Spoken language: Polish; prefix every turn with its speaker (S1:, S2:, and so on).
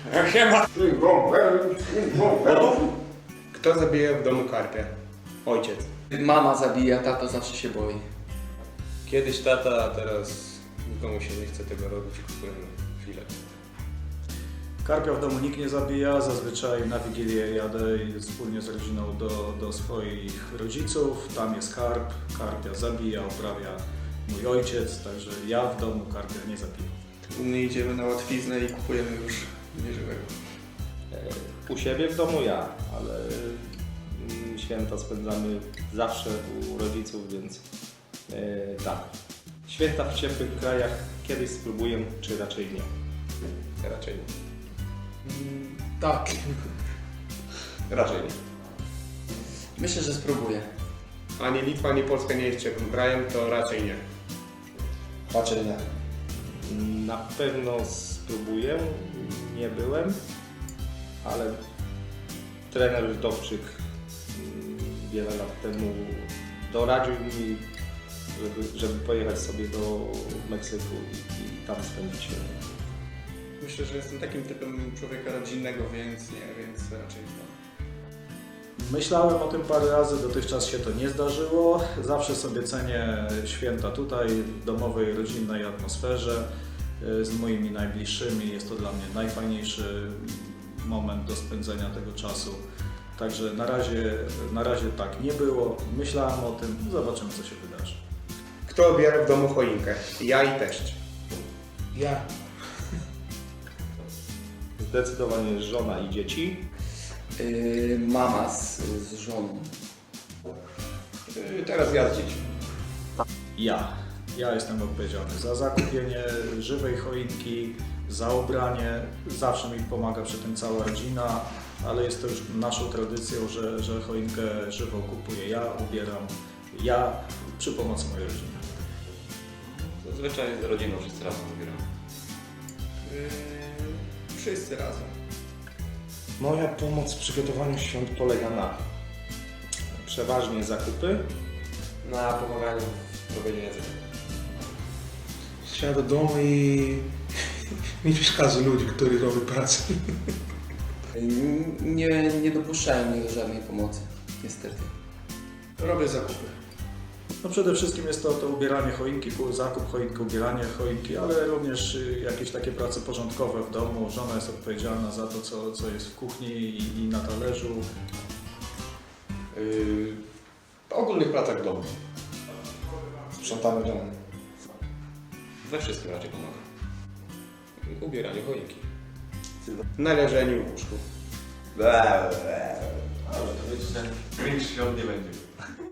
S1: Siema.
S2: Kto zabija w domu karpia? Ojciec.
S3: Mama zabija, tato zawsze się boi.
S2: Kiedyś tata, a teraz nikomu się nie chce tego robić. Kupujemy filet.
S4: Karpia w domu nikt nie zabija, zazwyczaj na Wigilię jadę wspólnie z rodziną do swoich rodziców, tam jest karp, karpia zabija, uprawia mój ojciec, także ja w domu karpia nie zabijam.
S1: U mnie idziemy na łatwiznę i kupujemy już nieżywego.
S5: U siebie w domu ja, ale święta spędzamy zawsze u rodziców, więc tak. Święta w ciepłych krajach kiedyś spróbuję, czy raczej nie?
S2: Raczej nie.
S3: Tak.
S2: Raczej nie.
S3: Myślę, że spróbuję.
S2: Ani Litwa, ani Polska nie jest ciepłym krajem, to raczej nie.
S1: Raczej nie.
S5: Na pewno spróbuję, nie byłem, ale trener Dowczyk wiele lat temu doradził mi, żeby pojechać sobie do Meksyku i tam spędzić się.
S1: Myślę, że jestem takim typem człowieka rodzinnego, więc raczej nie.
S4: Myślałem o tym parę razy, dotychczas się to nie zdarzyło. Zawsze sobie cenię święta tutaj, w domowej, rodzinnej atmosferze, z moimi najbliższymi. Jest to dla mnie najfajniejszy moment do spędzenia tego czasu. Także na razie tak nie było. Myślałem o tym, zobaczymy co się wydarzy.
S2: Kto obiera w domu choinkę? Ja i teść.
S3: Ja.
S5: Zdecydowanie żona i dzieci.
S3: Mama z żoną.
S2: Teraz ja z dziećmi.
S4: Ja jestem odpowiedzialny za zakupienie żywej choinki, za ubranie. Zawsze mi pomaga przy tym cała rodzina, ale jest to już naszą tradycją, że choinkę żywą kupuję ja, ubieram ja przy pomocy mojej rodziny.
S6: Zazwyczaj z rodziną wszyscy razem wybieramy.
S1: Wszyscy razem.
S5: Moja pomoc w przygotowaniu świąt polega na przeważnie zakupy,
S6: Na pomaganiu w robieniu jedzenia.
S7: Siada do domu i nie przeszkadza ludzi, którzy robią pracę.
S3: Nie dopuszczają mnie do żadnej pomocy, niestety.
S1: Robię zakupy.
S4: No przede wszystkim jest to ubieranie choinki, zakup choinki, ubieranie choinki, ale również jakieś takie prace porządkowe w domu. Żona jest odpowiedzialna za to, co jest w kuchni i na talerzu.
S6: W ogólnych pracach w domu.
S1: Sprzątamy dom.
S6: We wszystkim raczej pomaga. W ubieraniu choinki.
S2: Na leżeniu w łóżku.
S6: Dobrze, to wiecie, że większych świąt nie będzie.